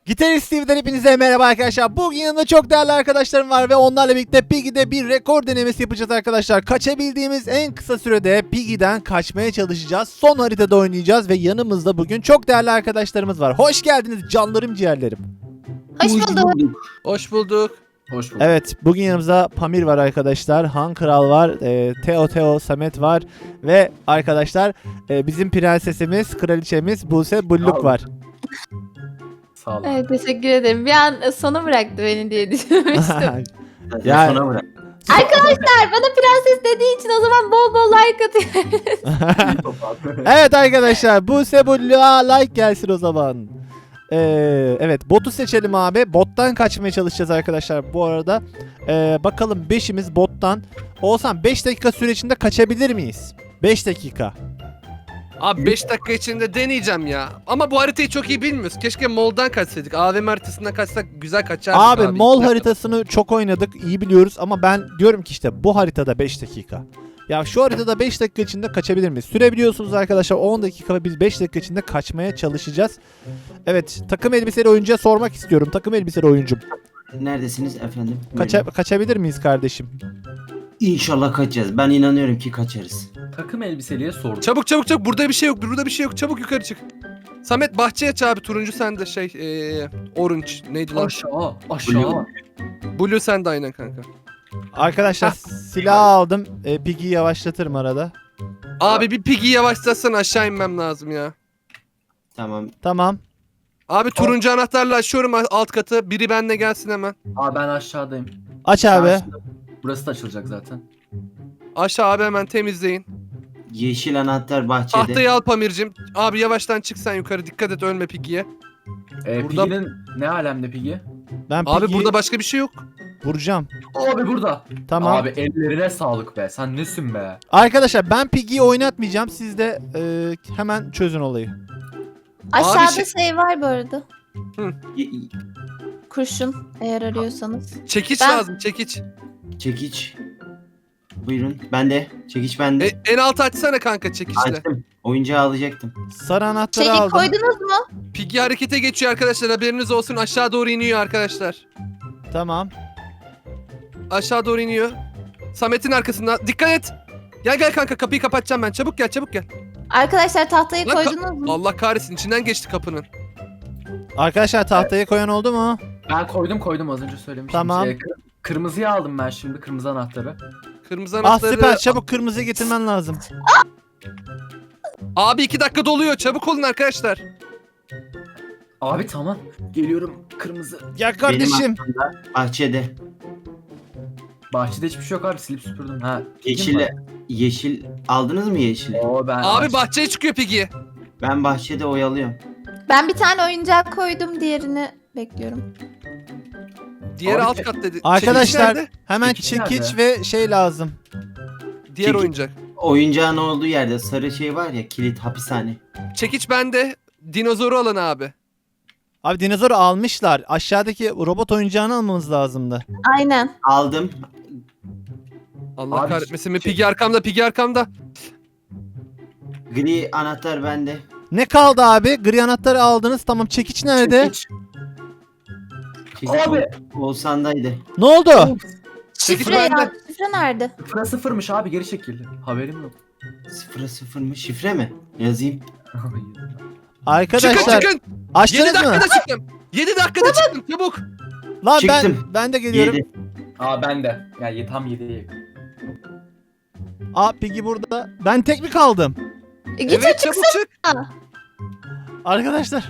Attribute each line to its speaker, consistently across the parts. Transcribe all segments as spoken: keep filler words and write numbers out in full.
Speaker 1: Gitarist Steve'den hepinize merhaba arkadaşlar. Bugün yanımda çok değerli arkadaşlarım var ve onlarla birlikte Piggy'de bir rekor denemesi yapacağız arkadaşlar. Kaçabildiğimiz en kısa sürede Piggy'den kaçmaya çalışacağız. Son haritada oynayacağız ve yanımızda bugün çok değerli arkadaşlarımız var. Hoş geldiniz canlarım ciğerlerim.
Speaker 2: Hoş bulduk.
Speaker 3: Hoş bulduk.
Speaker 4: Hoş bulduk.
Speaker 1: Evet, bugün yanımızda Pamir var arkadaşlar, Han Kral var, e, Teo Teo Samet var ve arkadaşlar e, bizim prensesimiz, kraliçemiz Buse Bulluk var.
Speaker 4: Sağ olun.
Speaker 2: Evet, teşekkür ederim. Bir an sona bıraktı beni diye düşünmüştüm.
Speaker 1: Ya-
Speaker 4: Sana bırak.
Speaker 2: Arkadaşlar bana prenses dediği için o zaman bol bol like atın.
Speaker 1: Evet arkadaşlar, Buse Bulluk'a like gelsin o zaman. Ee, evet, botu seçelim abi. Bottan kaçmaya çalışacağız arkadaşlar bu arada. Ee, bakalım beşimiz bottan. Oğuzhan beş dakika süre içinde kaçabilir miyiz? beş dakika.
Speaker 3: Abi beş dakika içinde deneyeceğim ya. Ama bu haritayı çok iyi bilmiyoruz. Keşke Mol'dan kaçsaydık. A V M haritasından kaçsak güzel kaçardık
Speaker 1: Abi,
Speaker 3: abi.
Speaker 1: mol haritasını çok oynadık, iyi biliyoruz ama ben diyorum ki işte bu haritada beş dakika. Ya şu haritada beş dakika içinde kaçabilir miyiz? Sürebiliyorsunuz arkadaşlar, on dakika ve biz beş dakika içinde kaçmaya çalışacağız. Evet, takım elbiseli oyuncuya sormak istiyorum. Takım elbiseli oyuncum.
Speaker 4: Neredesiniz efendim?
Speaker 1: Kaça kaçabilir miyiz kardeşim?
Speaker 4: İnşallah kaçacağız. Ben inanıyorum ki kaçarız.
Speaker 5: Takım elbiseliye sordum.
Speaker 3: Çabuk çabuk çabuk. Burada bir şey yok. Burada bir şey yok. Çabuk yukarı çık. Samet bahçeye aç abi. Turuncu sende şey. Ee, orange. Neydi lan?
Speaker 5: Aşağı, aşağı.
Speaker 3: Blue sende aynen kanka.
Speaker 1: Arkadaşlar silah aldım. E, Piggy'yi yavaşlatırım arada.
Speaker 3: Abi bir pigi yavaşlatsan aşağı inmem lazım ya.
Speaker 4: Tamam.
Speaker 1: Tamam.
Speaker 3: Abi turuncu anahtarla açıyorum alt katı. Biri benimle gelsin hemen.
Speaker 5: Aa, ben aşağıdayım.
Speaker 1: Aç abi.
Speaker 5: Aşağı- Burası da açılacak zaten.
Speaker 3: Aşağı abi hemen temizleyin.
Speaker 4: Yeşil anahtar bahçede.
Speaker 3: Tahtayı al Pamir'cim. Abi yavaştan çık sen yukarı. Dikkat et ölme pigiye.
Speaker 5: Ee,
Speaker 3: Burada-
Speaker 5: Piggy'nin ne alemde Piggy?
Speaker 1: Ben
Speaker 3: Abi
Speaker 1: Piggy'yi
Speaker 3: burada başka bir şey yok.
Speaker 1: vuracağım.
Speaker 5: Abi burada.
Speaker 1: Tamam.
Speaker 5: Abi ellerine sağlık be. Sen nesin be?
Speaker 1: Arkadaşlar ben Piggy'yi oynatmayacağım. Siz de e, hemen çözün olayı.
Speaker 2: Aşağıda
Speaker 3: şey-
Speaker 2: şey var bu arada.
Speaker 4: Ye-
Speaker 2: Kurşun eğer arıyorsanız.
Speaker 3: Çekiç
Speaker 2: Ben-
Speaker 3: lazım çekiç.
Speaker 4: Çekiç. Buyurun. Ben de. Çekiç bende.
Speaker 3: E, en altı açsana kanka çekiçle.
Speaker 4: Açtım. Oyuncağı alacaktım.
Speaker 1: Sarı anahtarı
Speaker 2: Çelik
Speaker 1: aldım.
Speaker 2: koydunuz mu?
Speaker 3: Piggy harekete geçiyor arkadaşlar haberiniz olsun aşağı doğru iniyor arkadaşlar.
Speaker 1: Tamam.
Speaker 3: Aşağı doğru iniyor. Samet'in arkasında dikkat et. Gel gel kanka kapıyı kapatacağım ben çabuk gel çabuk gel.
Speaker 2: Arkadaşlar tahtayı
Speaker 3: Lan ka-
Speaker 2: koydunuz mu?
Speaker 3: Allah kahretsin içinden geçti kapının.
Speaker 1: Arkadaşlar tahtayı koyan oldu mu?
Speaker 5: Ben koydum koydum az önce söylemiştim.
Speaker 1: Tamam.
Speaker 5: Ee, kır- kırmızıyı aldım ben şimdi kırmızı anahtarı.
Speaker 3: Kırmızı
Speaker 1: Ah
Speaker 3: anahtarı.
Speaker 1: süper, çabuk kırmızı getirmen lazım.
Speaker 3: Abi iki dakika doluyor çabuk olun arkadaşlar.
Speaker 5: Abi tamam. Geliyorum kırmızı.
Speaker 1: Ya
Speaker 4: Benim
Speaker 1: kardeşim.
Speaker 4: aklımda bahçede.
Speaker 5: Bahçede hiçbir şey yok abi silip süpürdüm. Ha.
Speaker 4: Yeşil. Yeşil. Aldınız mı yeşili?
Speaker 5: Oo ben
Speaker 3: Abi
Speaker 5: aç-
Speaker 3: bahçeye çıkıyor Piggy.
Speaker 4: Ben bahçede oyalıyorum.
Speaker 2: Ben bir tane oyuncak koydum, diğerini bekliyorum.
Speaker 3: Diğer
Speaker 5: Abi-
Speaker 3: alt kat dedi.
Speaker 1: Arkadaşlar
Speaker 3: Çekiç nerede?
Speaker 1: hemen
Speaker 5: Çekiç
Speaker 1: çekiç
Speaker 5: nerede?
Speaker 1: ve şey lazım.
Speaker 3: Diğer
Speaker 4: Çekiç.
Speaker 3: oyuncak.
Speaker 4: Oyuncağın olduğu yerde sarı şey var ya, kilit hapishane.
Speaker 3: Çekiç bende. Dinozoru alın abi.
Speaker 1: Abi dinozoru almışlar. Aşağıdaki robot oyuncağını almamız lazımdı.
Speaker 2: Aynen.
Speaker 4: Aldım.
Speaker 3: Allah
Speaker 5: Abi,
Speaker 3: kahretmesin mi?
Speaker 5: çek-
Speaker 3: Piggy arkamda Piggy arkamda.
Speaker 4: Gri anahtar bende.
Speaker 1: Ne kaldı abi? Gri anahtarı aldınız. Tamam, çekiç nerede?
Speaker 5: Çekiç.
Speaker 4: Çekiç
Speaker 5: Abi.
Speaker 4: Oğuzhan'daydı.
Speaker 1: Ne oldu?
Speaker 3: Çekiç
Speaker 2: Şifre
Speaker 3: bende.
Speaker 2: ya. Şifre nerede?
Speaker 5: Sıfıra sıfırmış abi geri çekildi. Haberim yok.
Speaker 4: Sıfıra sıfır mı? Şifre mi? Yazayım.
Speaker 1: Arkadaşlar
Speaker 3: Çıkın çıkın. yedi
Speaker 1: açtınız mı?
Speaker 3: dakikada çıktım. yedi dakikada çıktım çabuk.
Speaker 1: Lan ben
Speaker 4: Çıktım.
Speaker 1: ben de geliyorum.
Speaker 4: Yedi.
Speaker 5: Aa ben de. Yani tam yediye yakın.
Speaker 1: Aa Piggy burada. Ben tek mi kaldım?
Speaker 2: E, git
Speaker 3: Evet çabuk çık.
Speaker 1: Arkadaşlar.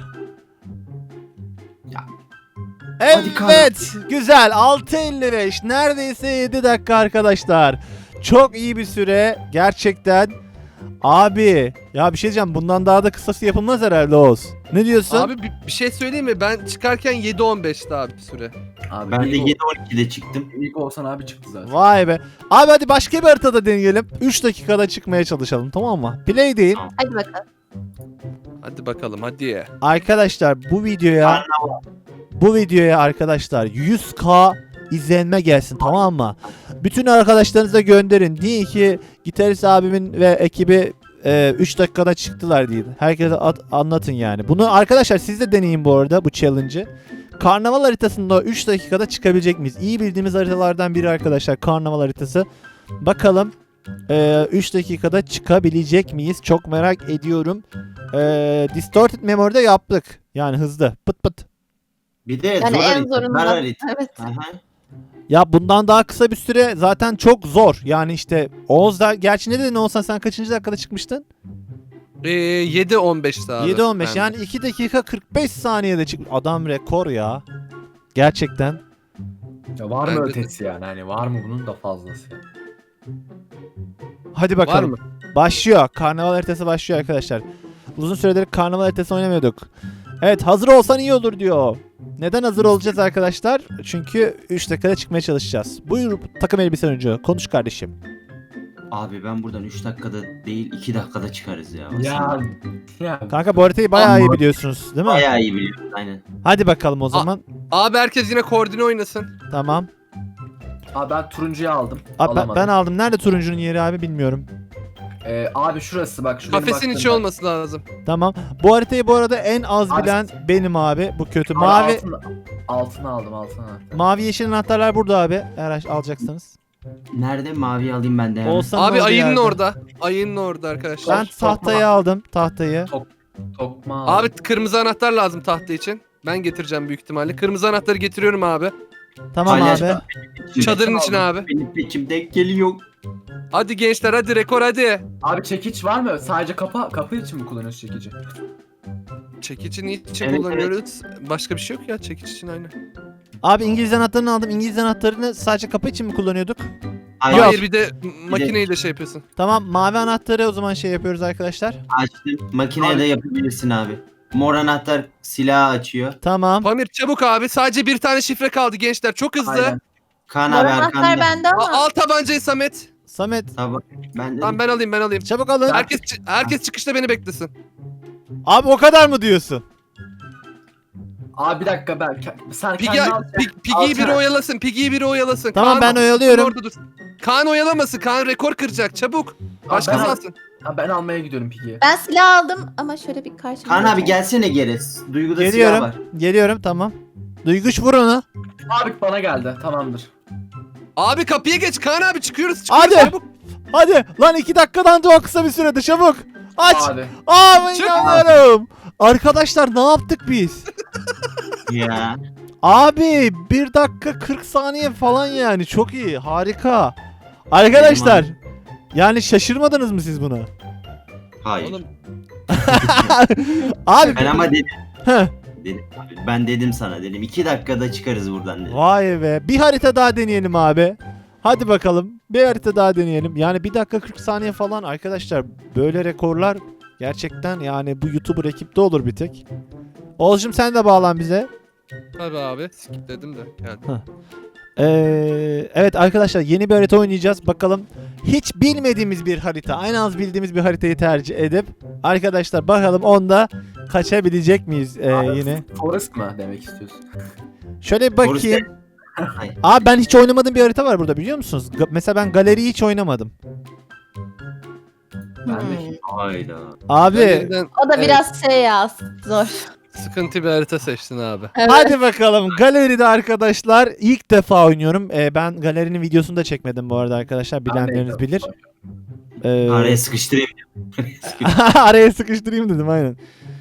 Speaker 4: Ya. Hadi kalk.
Speaker 1: Evet, güzel. altı elli beş. Neredeyse yedi dakika arkadaşlar. Çok iyi bir süre gerçekten. Abi, ya bir şey diyeceğim. Bundan daha da kısası yapılmaz herhalde Oğuz. Ne diyorsun?
Speaker 3: Abi bir, bir şey söyleyeyim mi? Ben çıkarken yedi on beşti abi süre.
Speaker 5: Abi
Speaker 4: Ben de
Speaker 5: ilk,
Speaker 4: yedi on ikide çıktım.
Speaker 5: ilk Oğuzhan abi çıktı zaten.
Speaker 1: Vay be. Abi hadi başka bir haritada deneyelim. üç dakikada çıkmaya çalışalım, tamam mı? Play değil.
Speaker 2: Hadi bakalım.
Speaker 3: Hadi bakalım hadi.
Speaker 1: Arkadaşlar bu videoya bu videoya arkadaşlar yüz bin izlenme gelsin, tamam mı? Bütün arkadaşlarınıza gönderin. Deyin ki Gitarist abimin ve ekibi üç dakikada çıktılar diye. Herkese at- anlatın yani. Bunu arkadaşlar siz de deneyin bu arada bu challenge'ı. Karnaval haritasında üç dakikada çıkabilecek miyiz? İyi bildiğimiz haritalardan biri arkadaşlar karnaval haritası. Bakalım üç dakikada çıkabilecek miyiz? Çok merak ediyorum. E, Distorted Memory'de yaptık. Yani hızlı. Pıt pıt.
Speaker 4: Bir de
Speaker 2: Yani
Speaker 4: zor
Speaker 2: en
Speaker 4: harita.
Speaker 2: zorundan.
Speaker 4: Dar harita.
Speaker 2: Evet.
Speaker 4: Aha.
Speaker 1: Ya bundan daha kısa bir süre zaten çok zor. Yani işte Oğuz da gerçi ne dedin Oğuzhan, sen kaçıncı dakikada çıkmıştın?
Speaker 3: Ee, yedi on beşti abi.
Speaker 1: yedi on beş
Speaker 3: Ben-
Speaker 1: yani iki dakika kırk beş saniyede çık. Adam rekor ya. Gerçekten.
Speaker 5: Ya var
Speaker 3: Bence
Speaker 5: mı
Speaker 3: de.
Speaker 5: ötesi yani? Hani var mı bunun da fazlası?
Speaker 1: Hadi
Speaker 3: Var
Speaker 1: bakalım.
Speaker 3: mı?
Speaker 1: Başlıyor. Karnaval haritası başlıyor arkadaşlar. Uzun süredir karnaval haritası oynamıyorduk. Evet, hazır olsan iyi olur diyor. Neden hazır olacağız arkadaşlar? Çünkü üç dakikada çıkmaya çalışacağız. Buyur takım elbise oyuncu. Konuş kardeşim.
Speaker 4: Abi ben buradan üç dakikada değil iki dakikada çıkarız ya.
Speaker 5: Ya. Ya.
Speaker 1: Kanka bu haritayı bayağı iyi
Speaker 4: Ama-
Speaker 1: biliyorsunuz değil mi?
Speaker 4: Bayağı iyi biliyorum aynen.
Speaker 1: Hadi bakalım o zaman.
Speaker 3: Abi herkes yine koordine oynasın.
Speaker 1: Tamam.
Speaker 5: Abi ben turuncuyu aldım.
Speaker 1: Abi ben,
Speaker 5: Alamadım.
Speaker 1: ben aldım. Nerede turuncunun yeri abi bilmiyorum.
Speaker 5: Ee, abi şurası bak. Şu benim
Speaker 3: Kafesin içi
Speaker 5: baktığım
Speaker 3: olması lazım.
Speaker 1: Tamam. Bu haritayı bu arada en az
Speaker 5: Abi-
Speaker 1: bilen benim abi. Bu kötü.
Speaker 5: bak.
Speaker 1: Mavi
Speaker 5: Abi altını, altını aldım altını aldım.
Speaker 1: mavi yeşil anahtarlar burada abi. Eğer alacaksanız.
Speaker 4: Nerede mavi alayım ben de hemen.
Speaker 1: Oğuzhan'ın
Speaker 3: Abi
Speaker 1: olduğu
Speaker 3: ayının
Speaker 1: yerde.
Speaker 3: orada. Ayının orada arkadaşlar.
Speaker 1: Ben
Speaker 5: Tokma.
Speaker 1: tahtayı aldım. Tahtayı.
Speaker 5: Tokma aldım.
Speaker 3: Abi kırmızı anahtar lazım tahta için. Ben getireceğim büyük ihtimalle. Kırmızı anahtarı getiriyorum abi.
Speaker 1: Tamam
Speaker 4: Hala-
Speaker 1: abi.
Speaker 3: Çadırın içine abi.
Speaker 4: Benim peçim denk geliyor.
Speaker 3: Hadi gençler hadi rekor hadi.
Speaker 5: Abi çekiç var mı? Sadece kapı kapı için mi kullanıyorsun çekici?
Speaker 3: Çekici niçin
Speaker 4: Evet,
Speaker 3: kullanıyoruz? Başka bir şey yok ya çekiç için aynı.
Speaker 1: Abi İngiliz anahtarını aldım. İngiliz anahtarını sadece kapı için mi kullanıyorduk?
Speaker 4: Hayır,
Speaker 3: Hayır bir de makineyi de şey yapıyorsun.
Speaker 1: Tamam, mavi anahtarı o zaman şey yapıyoruz arkadaşlar.
Speaker 4: açtım. Makineye
Speaker 5: Abi-
Speaker 4: de yapabilirsin abi. Mor anahtar silahı açıyor.
Speaker 1: Tamam.
Speaker 3: Pamir çabuk abi sadece bir tane şifre kaldı gençler çok hızlı.
Speaker 5: Aynen.
Speaker 4: Kaan
Speaker 2: Mor
Speaker 4: abi
Speaker 2: anahtar
Speaker 4: arkanda.
Speaker 2: bende
Speaker 3: A-
Speaker 2: ama.
Speaker 3: al tabancayı Samet.
Speaker 1: Samet
Speaker 4: Tamam. Ben de
Speaker 3: Tamam ben alayım ben alayım.
Speaker 1: çabuk alın.
Speaker 3: Herkes çı- herkes çıkışta beni beklesin.
Speaker 1: Abi o kadar mı diyorsun?
Speaker 5: Abi bir dakika ben sen
Speaker 3: Pigi,
Speaker 5: kendi al.
Speaker 3: Pig- Piggy'yi biri
Speaker 5: Alsana.
Speaker 3: oyalasın. Piggy'yi biri oyalasın.
Speaker 1: Tamam, ben oyalıyorum.
Speaker 3: Orada dur. Kaan oyalamasın. Kaan rekor kıracak. Çabuk. Başkası
Speaker 5: ben-
Speaker 3: alsın.
Speaker 5: Ha, ben almaya gidiyorum Pigi'yi.
Speaker 2: Ben silah aldım ama şöyle bir karşıma.
Speaker 4: Kaan abi gelsene geri. Duyguda silah
Speaker 1: Geliyorum.
Speaker 4: var.
Speaker 1: Geliyorum tamam. Duyguç vur onu.
Speaker 5: Abi bana geldi tamamdır.
Speaker 3: Abi kapıya geç. Kaan abi çıkıyoruz. çıkıyoruz.
Speaker 1: Hadi.
Speaker 3: Çabuk.
Speaker 1: Hadi lan iki dakikadan da o kısa bir sürede çabuk. Aç.
Speaker 5: Abi.
Speaker 1: Abi
Speaker 3: Çık.
Speaker 1: inanmıyorum. Arkadaşlar ne yaptık biz?
Speaker 4: Ya.
Speaker 1: Abi bir dakika kırk saniye falan yani çok iyi harika. Arkadaşlar yani şaşırmadınız mı siz buna?
Speaker 4: Hayır.
Speaker 3: Oğlum
Speaker 1: Abi
Speaker 4: Ben ama dedim.
Speaker 1: Heh,
Speaker 4: dedim abi. Ben dedim sana dedim. iki dakikada çıkarız buradan dedim.
Speaker 1: vay be bir harita daha deneyelim abi. Hadi bakalım bir harita daha deneyelim. Yani bir dakika kırk saniye falan arkadaşlar böyle rekorlar gerçekten yani bu YouTuber ekipte olur bir tek. Oğuzcum sen de bağlan bize.
Speaker 3: tabii abi. Skipledim de. Yani.
Speaker 1: Ee, evet arkadaşlar yeni bir harita oynayacağız. Bakalım hiç bilmediğimiz bir harita, en az bildiğimiz bir haritayı tercih edip arkadaşlar bakalım onda kaçabilecek miyiz ee,
Speaker 5: Abi,
Speaker 1: yine.
Speaker 5: Forest mı demek istiyorsun?
Speaker 1: Şöyle bir bakayım.
Speaker 4: Hayır.
Speaker 1: Abi ben hiç oynamadığım bir harita var burada biliyor musunuz? Ga- mesela ben galeriyi hiç oynamadım.
Speaker 5: Ben de
Speaker 2: Hmm.
Speaker 4: Hayda.
Speaker 1: Abi
Speaker 3: Galeriden
Speaker 2: O da
Speaker 3: Evet.
Speaker 2: biraz şey ya zor.
Speaker 3: sıkıntı bir harita seçtin abi.
Speaker 2: Evet.
Speaker 1: hadi bakalım galeride arkadaşlar ilk defa oynuyorum. Ee, ben galerinin videosunu da çekmedim bu arada arkadaşlar bilenleriniz bilir. Ee,
Speaker 4: Araya sıkıştırayım. Araya sıkıştırayım.
Speaker 1: Araya sıkıştırayım dedim aynen.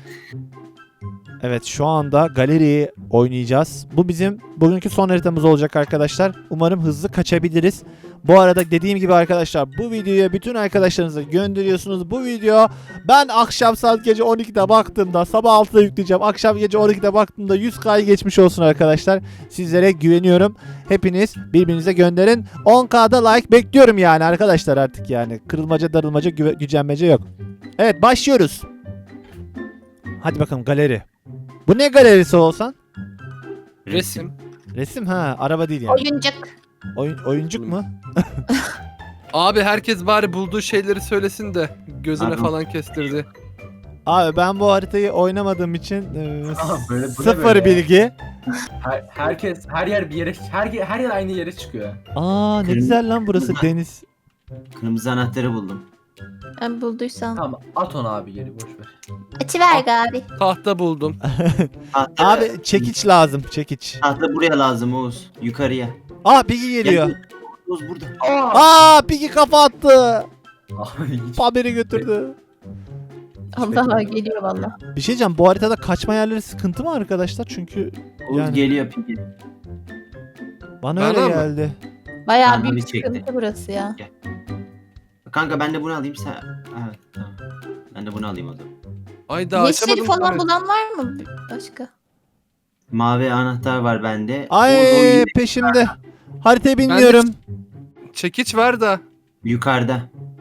Speaker 1: Evet şu anda galeriyi oynayacağız. Bu bizim bugünkü son haritamız olacak arkadaşlar. Umarım hızlı kaçabiliriz. Bu arada dediğim gibi arkadaşlar bu videoya bütün arkadaşlarınıza gönderiyorsunuz. Bu video ben akşam saat gece on ikide baktığımda sabah altıda yükleyeceğim. Akşam gece on ikide baktığımda yüz K'yı geçmiş olsun arkadaşlar. Sizlere güveniyorum. Hepiniz birbirinize gönderin. on K'da like bekliyorum yani arkadaşlar artık yani. Kırılmaca darılmaca güve- gücenmece yok. Evet başlıyoruz. Hadi bakalım galeri. Bu ne galerisi olsan?
Speaker 3: Resim.
Speaker 1: Resim ha araba değil yani.
Speaker 2: Oyuncak.
Speaker 1: Oyun, oyuncuk mu?
Speaker 3: Abi herkes bari bulduğu şeyleri söylesin de gözüne
Speaker 4: Abi.
Speaker 3: falan kestirdi.
Speaker 1: Abi ben bu haritayı oynamadığım için e,
Speaker 5: Aa, böyle- bu ne
Speaker 1: sıfır
Speaker 5: böyle ya?
Speaker 1: bilgi.
Speaker 5: Her, herkes her yer bir yere her her yer aynı yere çıkıyor.
Speaker 1: Aa ne
Speaker 4: Kırmızı-
Speaker 1: güzel lan burası deniz.
Speaker 4: Kırmızı anahtarı buldum.
Speaker 2: Ben bulduysam.
Speaker 5: Tamam at onu abi geri boş ver.
Speaker 2: Açıver abi.
Speaker 3: Tahta buldum.
Speaker 4: Tahta,
Speaker 1: Abi çekiç lazım çekiç.
Speaker 4: tahta buraya lazım Oğuz. Yukarıya.
Speaker 1: Aa Piggy geliyor.
Speaker 4: Gel, Oğuz burada.
Speaker 5: Aa!
Speaker 1: Aa Piggy kafa attı.
Speaker 5: Abi hiç.
Speaker 1: Pamiri götürdü.
Speaker 2: Allah geliyor valla.
Speaker 1: Bir şey diyeceğim, bu haritada kaçma yerleri sıkıntı mı arkadaşlar? Çünkü
Speaker 4: Oğuz
Speaker 1: Yani-
Speaker 4: geliyor Piggy.
Speaker 1: bana
Speaker 3: Bana
Speaker 1: öyle
Speaker 3: mı?
Speaker 1: geldi.
Speaker 2: Bayağı
Speaker 4: Bana
Speaker 2: büyük
Speaker 4: bir çekti.
Speaker 2: sıkıntı burası ya.
Speaker 4: Kanka ben de bunu alayım sen. Evet tamam. Ben de bunu alayım o zaman.
Speaker 3: Ayda
Speaker 2: Yeşil
Speaker 3: açamadım.
Speaker 2: falan
Speaker 3: Samet.
Speaker 2: bulan var mı başka?
Speaker 4: Mavi anahtar var bende. Oğuz, o
Speaker 1: Ay
Speaker 4: yine
Speaker 1: peşimde. Haritayı bilmiyorum.
Speaker 3: Çekiç var da.
Speaker 4: yukarıda.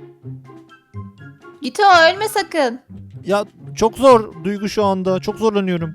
Speaker 2: Git o ölme sakın.
Speaker 1: Ya çok zor Duygu şu anda. Çok zorlanıyorum.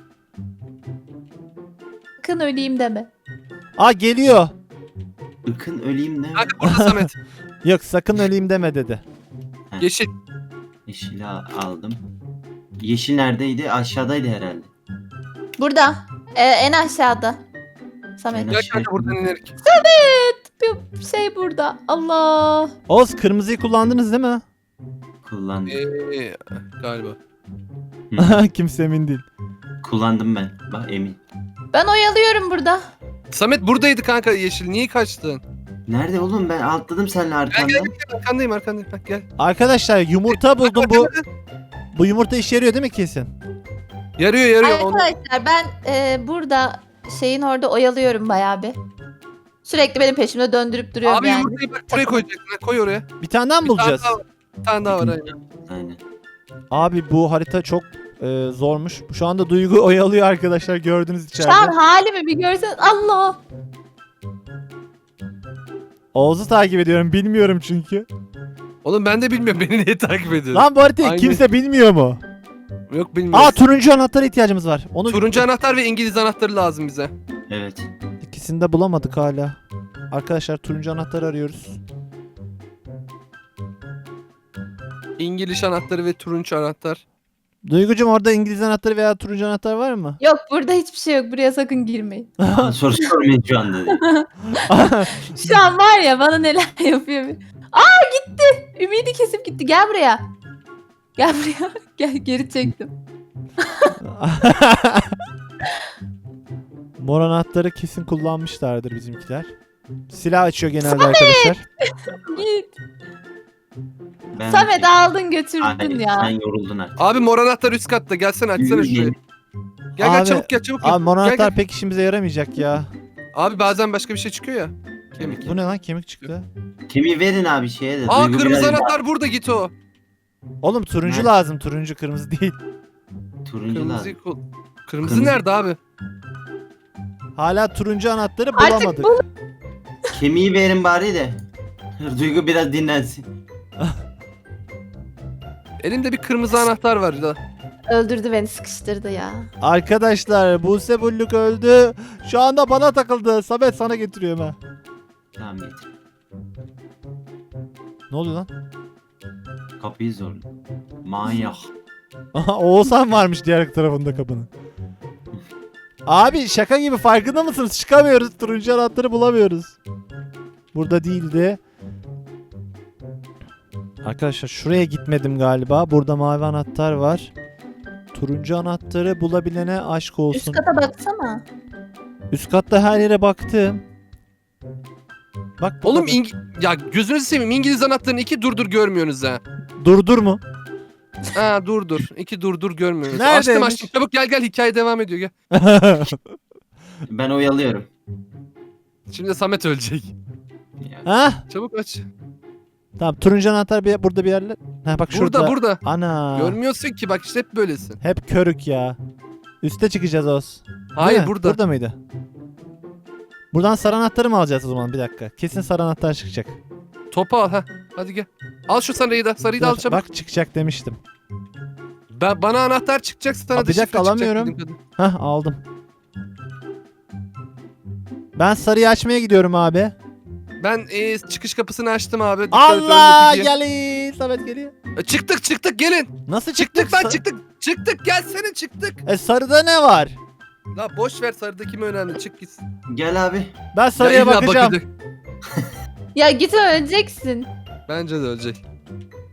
Speaker 2: Sakın öleyim deme.
Speaker 1: Aa geliyor.
Speaker 4: Ikın öleyim ne?
Speaker 3: Kanka burada Samet.
Speaker 1: Yok sakın öleyim deme dedi.
Speaker 3: Yeşil.
Speaker 4: Yeşili al- aldım. Yeşil neredeydi? Aşağıdaydı herhalde.
Speaker 2: Burada. Ee, en aşağıda. Samet.
Speaker 4: En
Speaker 3: Gel
Speaker 4: aşağı-
Speaker 3: kanka buradan inerik.
Speaker 2: Bir şey burada. Allah.
Speaker 1: Oğuz kırmızıyı kullandınız değil mi?
Speaker 4: Kullandım.
Speaker 3: Ee, galiba.
Speaker 1: Kimse emin değil.
Speaker 4: Kullandım ben. Bak emin.
Speaker 2: Ben oyalıyorum burada.
Speaker 3: Samet buradaydı kanka yeşil. Niye kaçtın?
Speaker 4: Nerede oğlum ben atladım seninle
Speaker 3: Gel gel
Speaker 4: arkandan.
Speaker 3: gel. Arkandayım arkandayım. Bak gel.
Speaker 1: Arkadaşlar yumurta buldum bu. Bu yumurta işe yarıyor değil mi kesin?
Speaker 3: Yarıyor yarıyor. Onu-
Speaker 2: Arkadaşlar ben e, burada şeyin orada oyalıyorum bayağı bir. Sürekli benim peşimde döndürüp duruyorum
Speaker 3: Abi
Speaker 2: yani.
Speaker 3: yumurtayı bak buraya koyacaksın. ha, Koy oraya.
Speaker 1: Bir tane daha mı
Speaker 3: Bir
Speaker 1: bulacağız?
Speaker 3: tane daha var. Bir tane daha var aynen.
Speaker 4: Aynen.
Speaker 1: Abi bu harita çok e, zormuş. Şu anda Duygu oyalıyor arkadaşlar gördünüz
Speaker 2: Şu an
Speaker 1: içeride.
Speaker 2: halimi bir görsen Allah.
Speaker 1: Oğuz'u takip ediyorum bilmiyorum çünkü.
Speaker 3: Oğlum ben de bilmiyorum beni niye takip ediyorsun.
Speaker 1: Lan bu haritayı
Speaker 3: Aynen.
Speaker 1: kimse bilmiyor mu?
Speaker 3: Yok bilmiyorum.
Speaker 1: Aa turuncu anahtara ihtiyacımız var. Onu
Speaker 3: Turuncu anahtar ve İngiliz anahtarı lazım bize.
Speaker 4: Evet.
Speaker 1: ikisini de bulamadık hala. Arkadaşlar turuncu anahtarı arıyoruz.
Speaker 3: İngiliz anahtarı ve turuncu anahtar.
Speaker 1: Duygucum orada İngiliz anahtarı veya turuncu anahtar var mı?
Speaker 2: Yok burada hiçbir şey yok. Buraya sakın girmeyin.
Speaker 4: Aa, soru sormayın şu anda. dedi.
Speaker 2: Şu an var ya bana neler yapıyor. bir- Aa gitti. Ümidi kesip gitti. Gel buraya. Gel buraya. Gel geri çektim.
Speaker 1: Mor anahtarı kesin kullanmışlardır bizimkiler. Silah açıyor genelde arkadaşlar.
Speaker 2: Git.
Speaker 4: Ben-
Speaker 2: Samet aldın götürdün
Speaker 4: Hayır,
Speaker 2: ya.
Speaker 4: sen yoruldun artık.
Speaker 3: Abi mor anahtar üst katta. Gelsene açsana şurayı. Gel gel
Speaker 1: Abi-
Speaker 3: çabuk gel çabuk gel.
Speaker 1: Abi mor
Speaker 3: Gel,
Speaker 1: anahtar
Speaker 3: gel.
Speaker 1: pek işimize yaramayacak ya.
Speaker 3: Abi bazen başka bir şey çıkıyor ya. Kemik.
Speaker 1: Bu ne lan kemik çıktı.
Speaker 4: Kemiği verin abi şeye de.
Speaker 3: Aa
Speaker 4: Duygu
Speaker 3: kırmızı
Speaker 4: biraz-
Speaker 3: anahtar burada git o.
Speaker 1: Oğlum turuncu
Speaker 4: Nerede?
Speaker 1: lazım turuncu kırmızı değil.
Speaker 4: Turuncu
Speaker 3: Kırmızı
Speaker 4: lazım.
Speaker 3: kul. Kırmızı,
Speaker 4: Kırmızı.
Speaker 3: nerede abi?
Speaker 1: Hala turuncu anahtarı
Speaker 2: Artık
Speaker 1: bulamadık.
Speaker 2: bul-
Speaker 4: Kemiği verin bari de. Duygu biraz dinlensin.
Speaker 3: Elimde bir kırmızı anahtar var da.
Speaker 2: Öldürdü beni sıkıştırdı ya.
Speaker 1: Arkadaşlar Buse Bulluk öldü. Şu anda bana takıldı. Samet sana getiriyorum ha.
Speaker 4: Tamam getir.
Speaker 1: Ne oluyor lan?
Speaker 4: Kapıyı zor. Manyak.
Speaker 1: Aha Oğuzhan varmış diğer tarafında kapının. Abi şaka gibi farkında mısınız? Çıkamıyoruz. Turuncu anahtarı bulamıyoruz. Burada değildi. Arkadaşlar şuraya gitmedim galiba. Burada mavi anahtar var. Turuncu anahtarı bulabilene aşk
Speaker 2: Üst
Speaker 1: olsun.
Speaker 2: kata baksana.
Speaker 1: Üst katta her yere baktım. Bak bu
Speaker 3: Oğlum
Speaker 1: kadar.
Speaker 3: İng- ya gözünüzü seveyim İngiliz anahtarını iki durdur görmüyorsunuz ha.
Speaker 1: Durdur mu?
Speaker 3: Ha dur dur. İki dur dur görmüyoruz.
Speaker 1: Neredeymiş?
Speaker 3: Açtım açtım. Çabuk gel gel hikaye devam ediyor gel.
Speaker 4: Ben oyalıyorum.
Speaker 3: Şimdi Samet ölecek.
Speaker 4: Ya,
Speaker 1: ha?
Speaker 3: Çabuk aç.
Speaker 1: Tamam turuncu anahtar bir, burada bir yerler. Ha bak şurada.
Speaker 3: Burada burada.
Speaker 1: Ana.
Speaker 3: Görmüyorsun ki bak işte hep böylesin.
Speaker 1: Hep körük ya. Üste çıkacağız Oz. Değil
Speaker 3: Hayır
Speaker 1: mi?
Speaker 3: burada.
Speaker 1: Burada mıydı? Buradan sarı anahtarı mı alacağız o zaman bir dakika. Kesin sarı anahtar çıkacak.
Speaker 3: Topu al ha. Hadi gel. Al şu sarıyı da. Sarıyı da al
Speaker 1: Dur,
Speaker 3: çabuk.
Speaker 1: bak çıkacak demiştim.
Speaker 3: Ben, bana anahtar çıkacak sana
Speaker 1: Aa,
Speaker 3: da
Speaker 1: bir dakika,
Speaker 3: şifre çıkacak
Speaker 1: alamıyorum.
Speaker 3: bildiğim kadarıyla.
Speaker 1: Hah aldım. Ben sarıyı açmaya gidiyorum abi.
Speaker 3: Ben e, çıkış kapısını açtım abi. Dikkat et,
Speaker 1: Allah
Speaker 3: ölme diye.
Speaker 1: gelin. Samet geliyor.
Speaker 3: E, Çıktık çıktık gelin.
Speaker 1: Nasıl çıktık?
Speaker 3: Çıktık lan
Speaker 1: Sa-
Speaker 3: çıktık. Çıktık gelsene çıktık.
Speaker 1: E sarıda ne var?
Speaker 3: La boş ver sarıdaki mi önemli çık gitsin.
Speaker 4: Gel abi.
Speaker 1: Ben sarıya
Speaker 3: Ya illa
Speaker 1: bakacağım.
Speaker 3: bakacak.
Speaker 2: Ya git öleceksin.
Speaker 3: Bence de ölecek.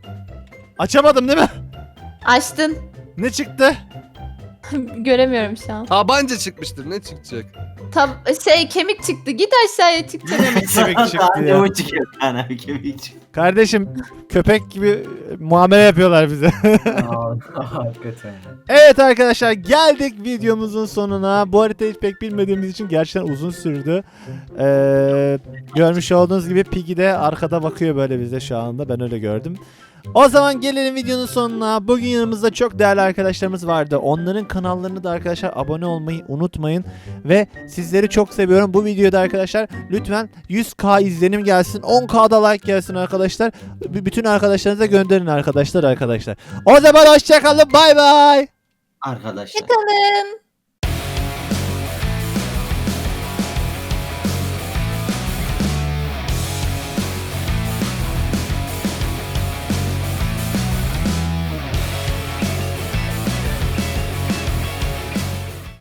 Speaker 1: Açamadım değil mi?
Speaker 2: Açtın.
Speaker 1: Ne çıktı?
Speaker 2: Göremiyorum şu an.
Speaker 3: Tabanca çıkmıştır. Ne çıkacak?
Speaker 2: Tab şey kemik çıktı. Git aşağıya çıktı.
Speaker 1: Kemik çıktı
Speaker 4: Daha
Speaker 1: ya.
Speaker 4: ne o çıkıyor Kaan abi kemik çıkıyor.
Speaker 1: Kardeşim köpek gibi muamele yapıyorlar bize.
Speaker 5: Aa, hakikaten.
Speaker 1: Evet arkadaşlar geldik videomuzun sonuna. Bu haritayı pek bilmediğimiz için gerçekten uzun sürdü. Ee, görmüş olduğunuz gibi Piggy de arkada bakıyor böyle bize şu anda. Ben öyle gördüm. O zaman gelelim videonun sonuna. Bugün yanımızda çok değerli arkadaşlarımız vardı. Onların kanallarını da arkadaşlar abone olmayı unutmayın. Ve sizleri çok seviyorum. Bu videoda arkadaşlar lütfen yüz bin izlenim gelsin. on bin da like gelsin arkadaşlar. B- bütün arkadaşlarınıza gönderin arkadaşlar arkadaşlar. O zaman hoşçakalın. Bay bay.
Speaker 4: Arkadaşlar.
Speaker 2: Kalın.